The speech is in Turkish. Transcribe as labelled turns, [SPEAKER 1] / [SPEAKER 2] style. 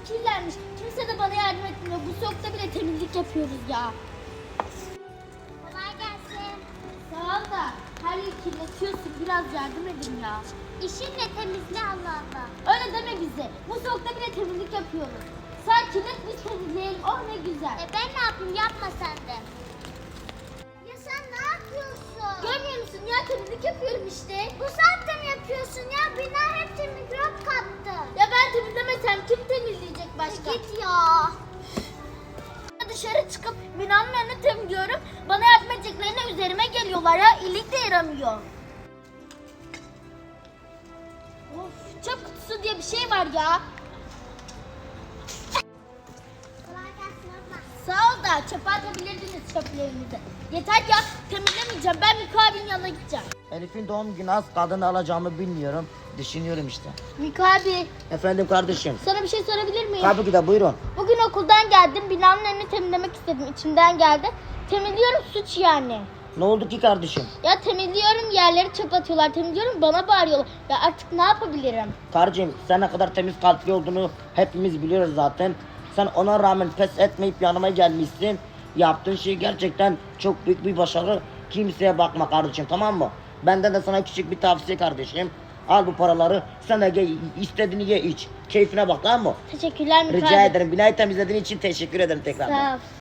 [SPEAKER 1] kirlenmiş. Kimse de bana yardım etmiyor. Bu soğukta bile temizlik yapıyoruz ya.
[SPEAKER 2] Kolay gelsin.
[SPEAKER 1] Sağ ol da her yeri kirletiyorsun. Biraz yardım edin ya.
[SPEAKER 2] İşinle temizle Allah Allah.
[SPEAKER 1] Öyle deme bize. Bu soğukta bile temizlik yapıyoruz. Sen kirlet biz temizleyelim. Oh ne güzel.
[SPEAKER 2] Ben ne yapayım, yapma sen de. Ya sen ne yapıyorsun?
[SPEAKER 1] Görmüyor musun ya, temizlik yapıyorum işte.
[SPEAKER 2] Bu saatte mi yapıyorsun ya? Bina hepsi mikrop kaptı.
[SPEAKER 1] Ya ben temizlemesem kim temizleyecek başka?
[SPEAKER 2] Git ya.
[SPEAKER 1] Dışarı çıkıp binanın önünü temizliyorum. Bana yardım edeceklerine üzerime geliyorlar ya. İyilik de yaramıyor. Of, çöp kutusu diye bir şey var ya.
[SPEAKER 2] Kolay gelsin abla.
[SPEAKER 1] Sağ ol da çöpe atabilirdiniz çöplerinizi. Yeter ya, temizlemeyeceğim. Ben Miko abinin yanına gideceğim.
[SPEAKER 3] Elif'in doğum günü az, kadını alacağımı bilmiyorum. Düşünüyorum işte.
[SPEAKER 1] Miko abi,
[SPEAKER 3] Efendim kardeşim.
[SPEAKER 1] sana bir şey sorabilir miyim?
[SPEAKER 3] Tabii ki de buyurun.
[SPEAKER 1] Bugün okuldan geldim. Binanın önünü temizlemek istedim. İçimden geldi. Temizliyorum, suç yani.
[SPEAKER 3] Ne oldu ki kardeşim?
[SPEAKER 1] Ya temizliyorum, yerleri çöp atıyorlar. Temizliyorum, bana bağırıyorlar. Ya artık ne yapabilirim?
[SPEAKER 3] Kardeşim sen ne kadar temiz kalpli olduğunu hepimiz biliyoruz zaten. Sen ona rağmen pes etmeyip yanıma gelmişsin. Yaptığın şey gerçekten çok büyük bir başarı. Kimseye bakma kardeşim, tamam mı? Benden de sana küçük bir tavsiye kardeşim. Al bu paraları, sen de gel, istediğini ye iç. Keyfine bak, tamam mı?
[SPEAKER 1] Teşekkürler Miko
[SPEAKER 3] Rica
[SPEAKER 1] abi.
[SPEAKER 3] ederim. Binayı temizlediğin için teşekkür ederim tekrardan.
[SPEAKER 1] Sağ ol.